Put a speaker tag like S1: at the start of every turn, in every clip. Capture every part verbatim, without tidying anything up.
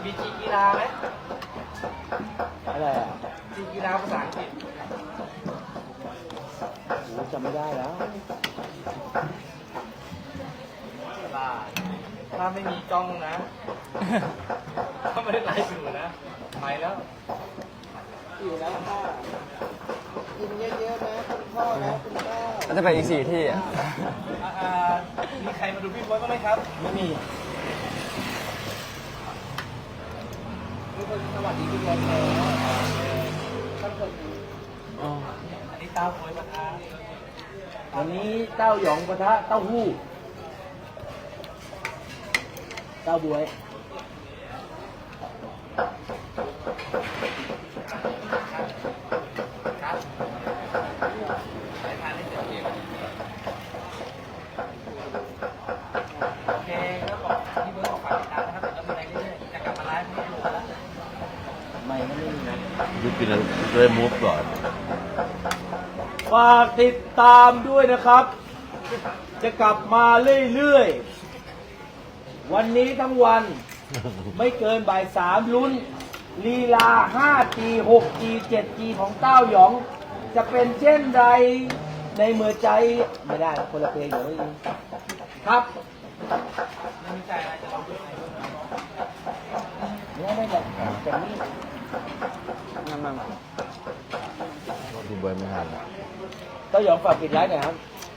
S1: มีจีกีฬาไหม
S2: อะไรอ่ะ
S1: จีกีฬาภาษาอังกฤษ
S2: โอ้จำไม่ได้แล้ว
S1: ถ้าไม่มีกล้องนะ ถ้าไม่ได้ไลฟ์อยู่นะไปแล้ว
S2: อยู่แล้วค่ะกินเยอะๆนะคุณพ่อนะคุณแม่
S3: ก็จะไปอีกสี่ที่อ่ะ
S1: อ่ามีใครมาดูพี่บอยบ้างไหมครับ
S2: ไม่มีทุกคนสวัสดีทุกคนเลยท่านคน
S3: อ๋อ
S1: อันนี้เต้าโอยมาทาน
S2: วันนี้เต้าหยองปะทะเต้าหู้เต้าบวย
S1: ครับไปทานได้เต็มที่โอเคแล้วบอกพี่เบิร์ดบอกฝากติดตามนะครับเดี๋ยวเรามีอะไรเรื่อยๆจะกลับมาไลฟ์ให้ดูแล้ว
S2: ไม่ก็ไม่มีนะ
S4: ยุกินเลยมูฟก่อน
S2: ฝากติดตามด้วยนะครับ จะกลับมาเรื่อยๆ วันนี้ทั้งวัน ไม่เกินบ่ายสามลุ้นลีลา ห้าจี หกจี เจ็ดจี ของเต้าหยอง จะเป็นเช่นไรในเมื่อใจไม่ได้คนละเพลงเดี๋ยวไม่ดีครับ
S1: ไม่มีใจอะไรจะลองดูไหน
S2: เนี่ยไม่แบบแต่นี่
S3: นั่นนั่น
S4: คุณบอยไม่ทัน
S2: เต้าหยองฝากปิดไลฟ์หน่อยครับ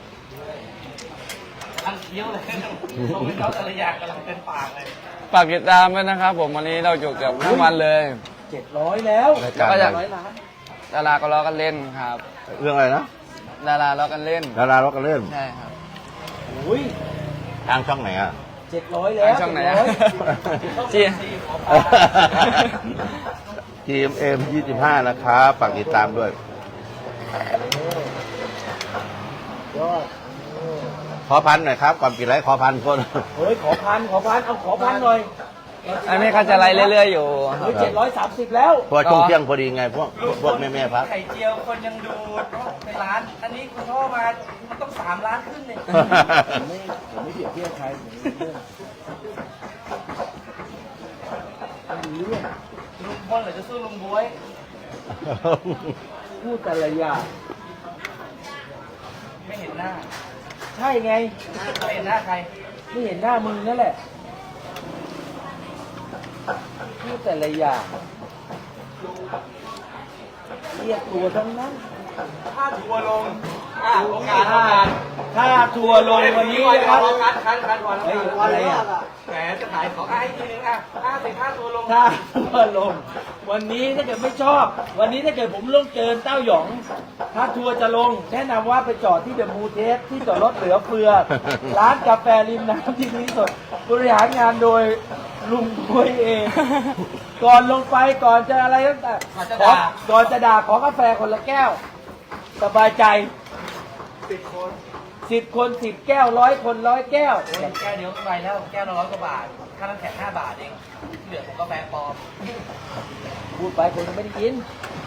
S1: กำลังเคี้ยวเลยส่งให้เขาแต่ละอย่างกำลังเต็มปากเลย
S3: ฝากติดตามด้วยนะครับ ผมวันนี้เราอยู่เกือบทั้งวันเลย
S2: เจ็ดร้อยแล้ว
S4: รายการ
S3: ก็อยาก
S2: ร้อยล้าน
S3: ดาราก็ล้อกันเล่นครับ
S4: เรื่องอะไรนะ
S3: ดาราล้อกันเล่น
S4: ดาราล็อกกันเล่น
S3: ใช่ครับ
S2: อุ้ย
S4: ทางช่องไหนอ่ะ
S2: เจ็ดร้อยแล้ว
S3: ช่องไหนอะ
S2: เจ็ดร้อย
S3: จี
S4: ทีมเอ็มยี่สิบห้านะครับฝากติดตามด้วย
S2: ยอด
S4: ขอพันหน่อยครับ ก่อนปิดไลฟ์ขอพันคน
S2: เฮ้ยขอพันขอพันเอาขอพันหน่อย
S3: อันนี้เขาจะไล่เรื่อยๆอยู่
S2: เฮ้ยเจ็ดร้อยสามสิบแล้ว
S4: เพราะว่าช่วงเที่ยงพอดีไง พวกพวกแม่แม่ๆพัก
S1: ไข่เจียวคนยังดูในร้าน อันนี้คุณพ่อมามันต้องสามล้านขึ้นเนี่ย
S2: ผมไม่ผมไม่เปรียบเทียบใครผมไม่เรื่องไม่รู้เรื่อง
S1: ลุงพลหรือจะสู้ลุงบ๊วย
S2: พูดแต่ละอย่าง
S1: ไม่เห็นหน้า
S2: ใช่ไง
S1: ไม่เห็นหน้าใคร
S2: ไม่เห็นหน้ามึงนั่นแหละพูดแต่ละอย่างเรียกตัวทั้งนั้น
S1: ถ้าทัวร์ลงอ่ะโอกาสโอ
S2: ถ้าก
S1: าส
S2: ถ้าทัวร์ลงวันนี้นะครับ
S1: คัดคัดคัดก่อน
S2: เฮ้ยอะไรอ่ะ
S1: แหมจะขายของอ่ะให้ทีนึงอ่ะห้าสิบห้าทัวร์ลง
S2: ถ้าทัวร์ลง วันนี้ถ้าเกิดไม่ชอบ วันนี้ถ้าเกิดผมลงเกินเต้าหยอง ถ้าทัวร์จะลง แนะนำว่าไปจอดที่เดอะมูเทสที่จอดรถเหลือเฟือ ร้านกาแฟริมน้ำที่ดีที่สุดบริหารงานโดยลุงบวยเอง ก่อนลงไปก่อนจะอะไรตั้งแต่ขอก่อนจะด่าขอกาแฟคนละแก้ว สบายใจ
S1: สิบคน
S2: สิบคนสิบแก้วร้อยคนร้อยแก้ว
S1: โอ้ยแก้วเดียวก็ไปแล้ว แก้วละร้อยกว่าบาท ค่าน้ำแข็งห้าบาทเองที่เหลือผมกาแฟปลอม
S2: พูดไปคนก็ไม่ได้กิน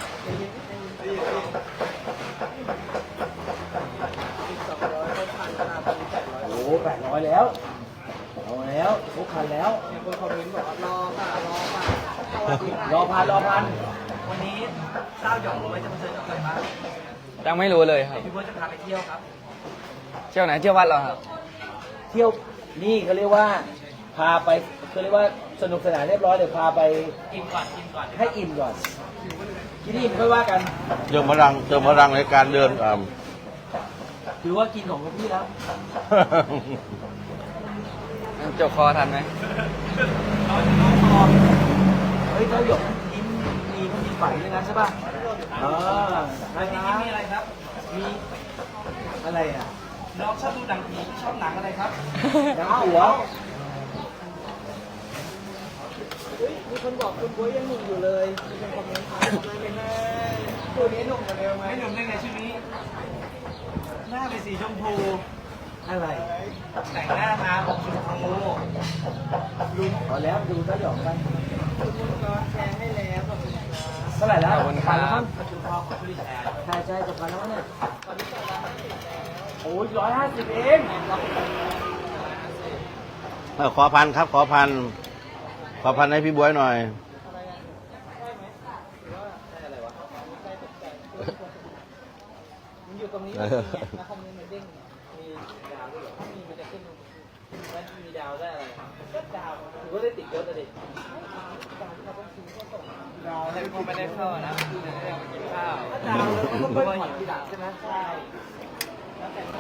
S2: โอ้โหแปดร้อยแล้วเอาแล้วทุกคันแล้วคนคอมเมนต์บอกรอค่ะรอค่ะรอพันรอพัน
S1: วันนี้เต้าหยองรู้ไหมจะมาเจอกับใครบ้าง
S3: ยังไม่รู้เลยครับ
S1: พี่เบิร์ดจะพาไปเที่ยวครับ
S3: เที่ยวไหนเที่ยววัดเหรอครับ
S2: เที่ยวนี่เขาเรียกว่า พาไปเขาเรียกว่าสนุกสนานเรียบร้อยเดี๋ยวพาไป
S1: กินก่อนกินก่อน
S2: ให้อิ่มก่อนที่นี่ไม่ว่ากัน
S4: เติมพลังเติมพลังในการเดินอ่า
S2: ถือว่ากินของพี่แล้ว
S3: เจ้าคอทันไหม
S2: เฮ้ยเขาหยกยิ้มมีเขามีไฝด้วยนะใช่ป่ะเออ
S1: วันนี้มีอะไรครับ
S2: มีอะไรอ่ะ
S1: น้องชอบดูหนังผีชอบหนังอะไรครับ
S2: น้ำหัวมีคนบอกคุณบ๊วยยังหนุ่มอยู่เลยมีคนคอมเมนต์มาไม่ไม่ตัวนี้หนุ่มกว่าเดิมไหม
S1: ไม่หนุ่มได้ไงชื่อนี้ หน้าเป็นสีชมพู
S2: อะไร
S1: แต่งหน้ามาออกชมพู
S2: ลุงพอแล้วดูก็หยอกไปแชร์ให้แล้วเท่าไหร่แล้ว
S3: ขอบคุณครับ
S2: พันแล้วมั้ง
S1: ก็คือพ่อของผู้ดีแทน
S2: ใช่ใช่จะพันแล้วเนี่ยโอ้ยร้อยห้าสิบเอง
S4: เออขอพันครับ ขอพันขอพันให้พี่บวยหน่อย
S1: มันอยู่ตรงนี้
S4: เออ
S1: แล้วคอมเมนต์มันเด้งมีดาวด้วยเหรอถ้ามีมันจะขึ้นแล้วมีดาวได้อะไรก็ดาวถือว่าได้ติดเยอะแต่เด็กดาวแต่ก็ไม่ได้เข้านะไม่ได้มากินข้าวดาวแล้วก็เพิ่มผ่อนทีหลังใช่ไหมใช่แล้วแต่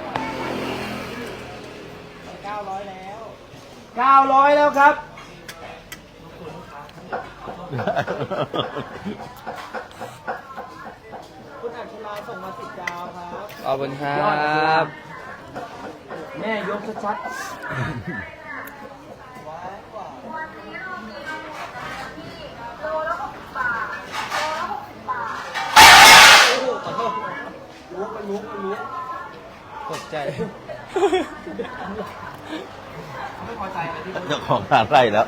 S1: เก้าร้อยแล้ว
S2: เก้าร้อยแล้วครับ
S1: คุณอัจฉราส่งมาสิบดาวครับ
S3: ขอบคุณครั
S2: ยอดครับ
S3: บ
S2: แม่ยกชัด
S1: ว้ายกว่า รู้ไปรู้ไปรู้
S3: ตกใจ
S1: ไม่พอใจเลยที่
S4: เจ้าของร้านไล่แล้ว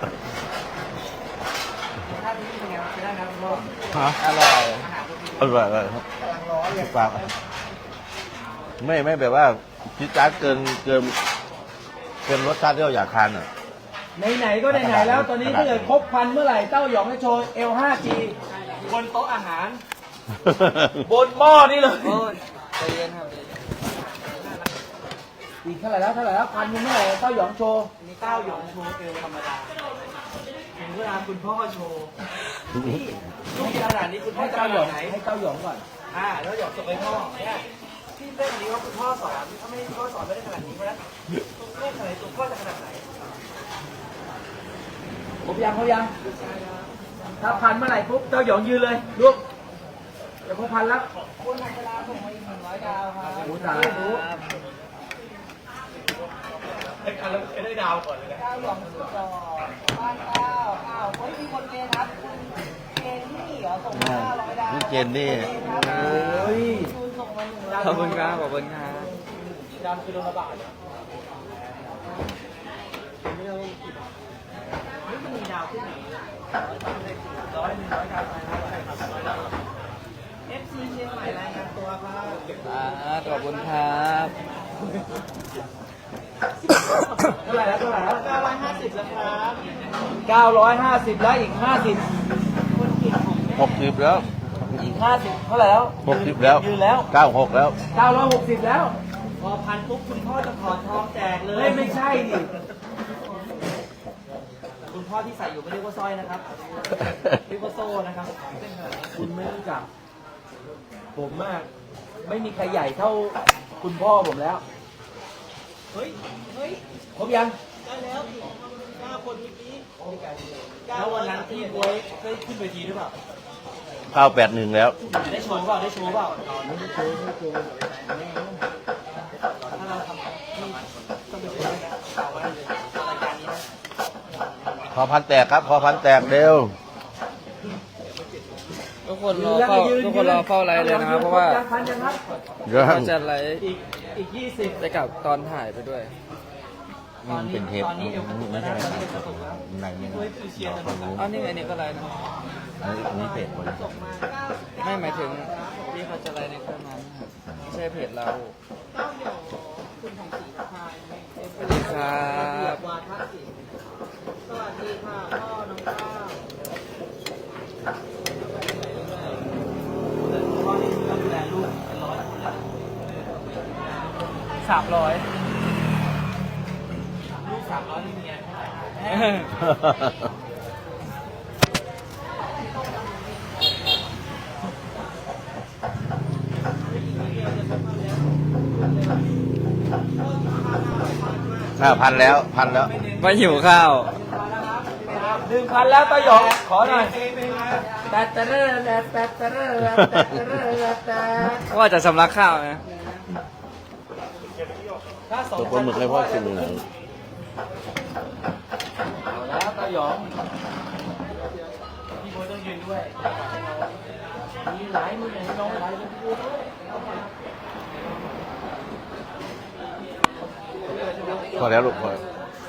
S1: ถ้าที่นี่เป็นไงใช้ได้นะคุณพ่อ
S4: ฮะ
S3: อร่อย
S4: อร่อยเลยครับ
S1: กำลังร้อนเลย
S4: ฝากไม่ไม่แบบว่าจิจาร์ดเกินเกินเกินรสชาติที่เราอยากทานอ่ะ
S2: ๆไหนๆก็ไหนๆแล้ว ตอนนี้ถ้าเกิดครบพันเมื่อไหร่เต้าหยองให้โชว์ เอล ห้าจี บนโต๊ะอาหาร บนหม้อนี่เลย
S1: โอ้ยใจเย็นครับ
S2: อีกเท่าไหร่แล้วเท่าไหร่แล้วพันหนึ่งเมื่อไหร่เต้าหยองโชว์
S1: มีเต้าหยองโชว์เอวธรรมดาถึงเวลาคุณพ่อโชว์นี่ลูกขนาดนี้คุณพ่อ
S2: ให้
S1: จะ
S2: เต้าหยอง
S1: ไหน
S2: ให้เต้าหยองก่อน
S1: อ่าแล้วหยองส่งไปพ่อเนี่ยที่เล่นอันนี้ว่าคุณพ่อสอนถ้าไม่พ่อสอนไม่ได้ขนาดนี้เพราะฉะนั้นเล่นขนาดไหนตัวพ่อจะขนาดไหน
S2: ครบยังครบยัง ถ้าพันเมื่อไหร่ปุ๊บเต้าหยองยืนเลยลุกจะครบพันแล้ว
S1: คุณอัจฉราส่งมาอีกหนึ่งร้อยดาวครับ
S2: โอ้ตาย
S1: ได้การแล้วได้ดาวก่อนเลยนะเก้าหยองสุดหล่อบ้านเก้าอ้าวเฮ้ยมีคนเกณฑ์ครับคุณเกณฑ์นี่เหรอส่งมาห้าร้อยดาว
S4: นี่เจนนี่
S2: โอ้ย
S1: คุณส่งมาหนึ่งร้อย
S3: ขอบคุณครับ ขอบคุณครับ
S1: ดาวคือโดนระบาดเนี่ยไม่เอากี่บาทไม่มันมีดาวที่ไหนร้อยหนึ่งร้อยดาวไปแล้วเอฟซีเชียงใหม่รายงานตัวครับ
S3: อ่าขอบคุณครับ
S2: เท่าไหร่แล้วเท่าไหร่แล้ว
S1: เก้าร้อยห้าสิบแล้วครับ
S2: เก้าร้อยห้าสิบแล้วอีกห้าสิบ
S1: คนเก่งของ
S4: หกสิบแล้ว
S2: อีกห้าสิบเท่าไหร่แล้ว
S4: หกสิบแล้ว
S2: ยืนแล้ว
S4: เก้าหกแล้ว
S2: เก้าร้อยหกสิบแล้ว
S1: พอพันปุ๊บคุณพ่อจะถอดทองแจกเลย
S2: เฮ้ยไม่ใช่ดิ
S1: คุณพ่อที่ใส่อยู่ไม่เรียกว่าสร้อยนะครับเรียกว่าโซ่นะครับ
S2: คุณไม่รู้จัก ผมมาก ไม่มีใครใหญ่เท่าคุณพ่อผมแล้ว
S1: เฮ้ยเฮ้ย
S2: ครบยัง
S1: ได้แล้วเก้าคนเมื่อกี้แล้ววันนั้นที่บวยได้ขึ้นเวทีหรือเปล่า
S4: ข้าวแปดหนึ่งแล้ว
S1: ได้โชว์เปล่าได้โชว์เปล่า
S2: ไม่ได้โชว์ไม่ได้โชว์
S1: ถ้าเราทำที่ต้องไปโชว์นะเอาไว้เลยรายการนี้นะ
S3: ข
S4: พอพันแตกครับ พอพันแตกเร็ว
S3: ทุกคนรอเฝ้าทุกคนรอเฝ้าไลฟ์เลยนะครับ เพราะว่า
S2: พันยังครับ
S4: เรื่อง
S3: ก็จะไลฟ์
S1: อีกอีกยี่สิบ
S3: ไปกับตอนถ่ายไปด้วย
S1: ตอนนี้
S4: เป็นเทป
S1: ตอนนี้เอวกระตุก
S4: ไม่
S1: แล้ว
S4: ใช่
S1: นะตอนนี้เอวกระตุกแล้ว
S4: ไหนไม่
S1: บวยคือเชียร์กันหมดแล้ว
S3: อ๋อนี่ไงนี่ก็ไลฟ์นะ
S4: อันนี้เพจคน
S1: ส่งมาเก้า
S3: ไม่หมายถึงที่เขาจะไลฟ์ในเครื่องนั้นนะครับไม่ใช่เพจเรา
S1: เก้าเดี่ยวคุณของสีพาย
S3: สวัสดีครับ
S1: วาทศิลป์สวัสดีค่ะพ่อน้องก้าวพ่อนี่ก็ดูแลลูกเป็นร้อยคนเลยสามร้อยลูกสามร้อยนี่เมียเท่าไหร่นะ
S4: ห้าพันแล้วพันแล้ว
S3: มาหิวข้าว
S2: หนึ่งพันแล้วต้าหยอง ขอหน่อยแตะแตะเร่แตะแตะแตะเร่แตะแตะเร่แตะ
S3: ว่าจะสำลักข้าวนะ
S1: ถ้าสอง
S4: ตัวปลาหมึกให้พ่อชิมหน่อย
S2: เอาแล้วต้าหยอง
S1: พี่โบ๊ทต้องยืนด้วย
S2: มีหลายมือไหนน้องหลายมือด้วย
S4: พอแล้วลูกพอแล้ว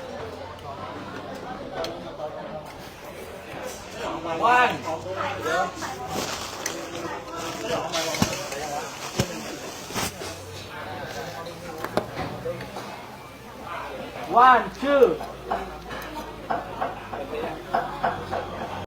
S2: ว่านว่านชื่อ